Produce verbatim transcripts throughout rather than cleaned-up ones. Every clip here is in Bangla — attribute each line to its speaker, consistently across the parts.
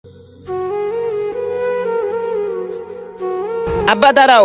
Speaker 1: আব্বা দাঁড়াও।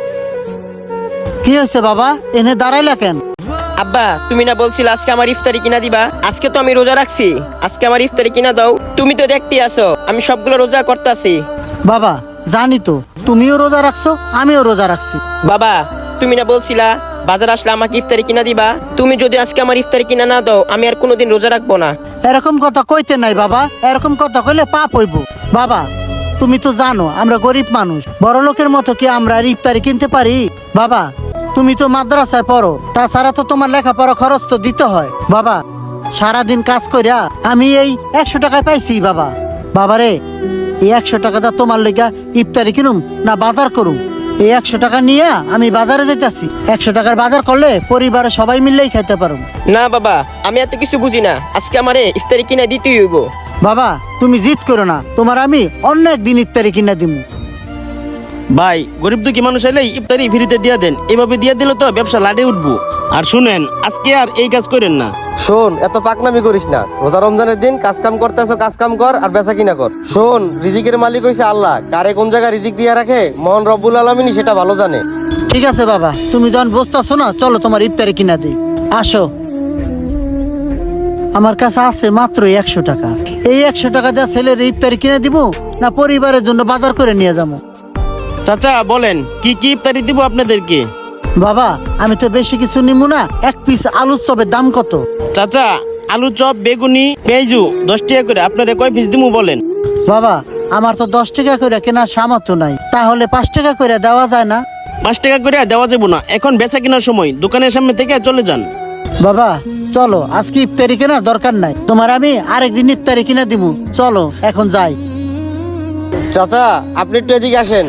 Speaker 2: কি হয়েছে বাবা, এনে দাঁড়াইলা কেন?
Speaker 1: আব্বা তুমি না বলছিলে আজকে আমার ইফতারি কিনা দিবা? আজকে তো আমি রোজা রাখছি, আজকে আমার ইফতারি কিনা দাও। তুমি তো দেখতেই আছো আমি সবগুলো রোজা করতেছি।
Speaker 2: বাবা জানি তো তুমিও রোজা রাখছো, আমিও রোজা রাখছি।
Speaker 1: বাবা তুমি না বলছিলা বাজার আসলে আমাকে ইফতারি কিনা দিবা? তুমি যদি আজকে আমার ইফতারি কিনা না দাও আমি আর কোনোদিন রোজা রাখবো না।
Speaker 2: এরকম কথা কইতে নাই বাবা, এরকম কথা কইলে পাপ হইব। বাবা তুমি তো জানো আমরা গরিব মানুষ, বড় লোকের মতো কি আমরা আর ইফতারি কিনতে পারি? বাবা তুমি তো মাদ্রাসায় পড়ো, তাছাড়া তো তোমার লেখাপড়া খরচ তো দিতে হয়। বাবা সারাদিন কাজ কইরা আমি এই একশো টাকায় পাইছি বাবা। বাবারে এই একশো টাকাটা তোমার লেগা ইফতারি কিনুম না বাজার করুম? এই একশো টাকা নিয়ে আমি বাজারে যাইতাছি, একশো টাকার বাজার করলে পরিবারে সবাই মিললেই খাইতে পারুম।
Speaker 1: না বাবা আমি এত কিছু বুঝি না, আজকে আমারে ইফতারি কিনা দিতেই হইব।
Speaker 2: বাবা তুমি জিদ করো না, তোমার আমি অন্য একদিন ইফতারি কিনা দিব।
Speaker 3: ভাই গরিব দুঃখী মানুষ এলে ইফতারি ফ্রিতে দিয়া দেন, এভাবে দিয়া দিলে তো ব্যবসা লাটে উঠবো। আর শুনেন আজকে আর এই কাজ করেন না।
Speaker 4: শোন এত পাকনামি করিস না, রোজা রমজানের দিন কাজ কাম করতেছ, কাজ কাম কর আর বেচা কিনা কর। শোন রিজিকের মালিক হইছে আল্লাহ, কারে কোন জায়গায় রিজিক দিয়া রাখে মহান রব্বুল আলামিনই সেটা ভালো জানে।
Speaker 2: ঠিক আছে বাবা, তুমি যখন বসতেছো না চলো তোমার ইফতারি কিনা দিই। আসো, আমার কাছে আছে মাত্র একশো টাকা। এই একশো টাকা দিয়ে ছেলের ইফতারি কিনে দিব না পরিবারের জন্য বাজার করে নিয়ে যাবো?
Speaker 3: চাচা বলেন কি কি ইফতারি দিব আপনাদেরকে?
Speaker 2: বাবা আমি তো বেশি কিছু নিব না, এক পিস আলুর চপের দাম কত?
Speaker 3: চাচা আলু চপ, বেগুনি, পেঁয়াজু দশ টাকা করে, আপনারা কয় পিস দিমু বলেন?
Speaker 2: বাবা আমার তো দশ টাকা করে কেনার সামর্থ্য নাই, তাহলে পাঁচ টাকা করে দেওয়া যায় না?
Speaker 3: পাঁচ টাকা করে দেওয়া যাবো না, এখন বেচা কেনার সময়, দোকানের সামনে থেকে চলে যান।
Speaker 2: বাবা চলো আজকে ইফতারি কেনার দরকার নাই, তোমার আমি আরেকদিন ইফতারি কিনা দিব। চলো এখন যাই।
Speaker 4: চাচা আপনি একটু এদিকে আসেন।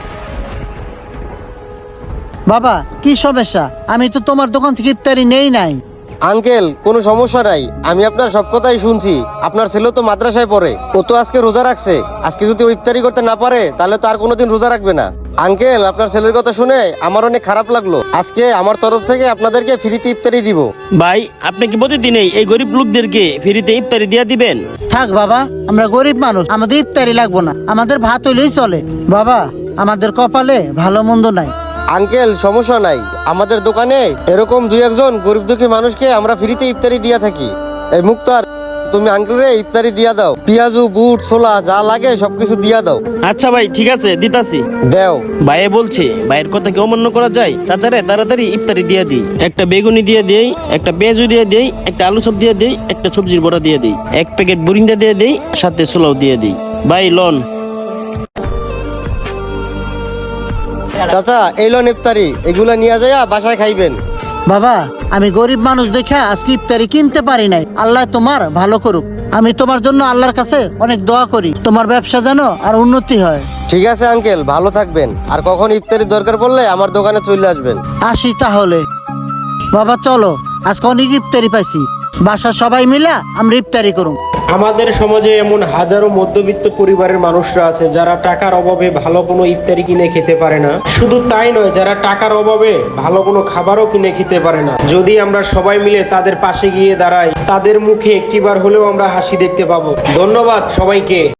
Speaker 2: বাবা কি সমস্যা? আমি তো তোমার দোকান থেকে ইফতারি নেই নাই।
Speaker 4: আঙ্কেল কোনো সমস্যা নাই, আমি আপনার সব কথাই শুনছি। আপনার ছেলে তো মাদ্রাসায় পড়ে, ও তো আজকে রোজা রাখছে। আজকে যদি ও ইফতারি করতে না পারে তাহলে তো আর কোনোদিন রোজা রাখবে না। আঙ্কেল আপনার ছেলের কথা শুনে আমার অনেক খারাপ লাগলো, আজকে আমার তরফ থেকে আপনাদেরকে ফ্রিতে ইফতারি দিব।
Speaker 3: ভাই আপনি কি প্রতিদিনই এই গরিব লোকদেরকে ফ্রিতে ইফতারি দিয়া দিবেন?
Speaker 2: থাক বাবা, আমরা গরিব মানুষ, আমাদের ইফতারি লাগবো না, আমাদের ভাত হইলেই চলে। বাবা আমাদের কপালে ভালো মন্দ নাই।
Speaker 4: আঙ্কেল সমস্যা নাই, আমাদের দোকানে এরকম দুই একজন গরিব দুঃখী মানুষকে আমরা ফ্রিতে ইফতারি দিয়া থাকি। এই মুক্তার তুমি আঙ্কেলরে ইফতারি দিয়া দাও, পেঁয়াজু বুট ছোলা যা লাগে সবকিছু দিয়া দাও।
Speaker 3: আচ্ছা ভাই ঠিক আছে দিতাছি।
Speaker 4: দেও।
Speaker 3: ভাইয়ে বলছে ভাইয়ের কথা কি অমান্য করা যায়? চাচারে তাড়াতাড়ি ইফতারি দিয়ে দিই, একটা বেগুনি দিয়ে দেই, একটা পেঁয়াজু দিয়ে দেই, একটা আলু চপ দিয়ে দেই, একটা সবজির বড়া দিয়ে দেই, এক প্যাকেট বুরিন্দা দিয়ে দেই, সাথে ছোলাও দিয়ে দিই। ভাই লন।
Speaker 4: চাচা এই লোন ইফতারি, এগুলা নিয়ে যাইয়া বাসায় খাইবেন।
Speaker 2: বাবা আমি গরিব মানুষ দেখা আজকে ইফতারি কিনতে পারি নাই, আল্লাহ তোমার ভালো করুক। আমি তোমার জন্য আল্লাহর কাছে অনেক দোয়া করি, তোমার ব্যবসা যেন আর উন্নতি হয়।
Speaker 4: ঠিক আছে আঙ্কেল ভালো থাকবেন, আর কখন ইফতারির দরকার পড়লে আমার দোকানে চলে আসবেন।
Speaker 2: আসি তাহলে। বাবা চলো, আজকে অনেক ইফতারি পাইছি, বাসার সবাই মিলা আমরা ইফতারি করুম।
Speaker 5: আমাদের সমাজে এমন হাজারো মধ্যবিত্ত পরিবারের মানুষরা আছে যারা টাকার অভাবে ভালো কোনো ইফতারি কিনে খেতে পারে না। শুধু তাই নয়, যারা টাকার অভাবে ভালো কোনো খাবারও কিনে খেতে পারে না। যদি আমরা সবাই মিলে তাদের পাশে গিয়ে দাঁড়াই, তাদের মুখে একটিবার হলেও আমরা হাসি দেখতে পাবো। ধন্যবাদ সবাইকে।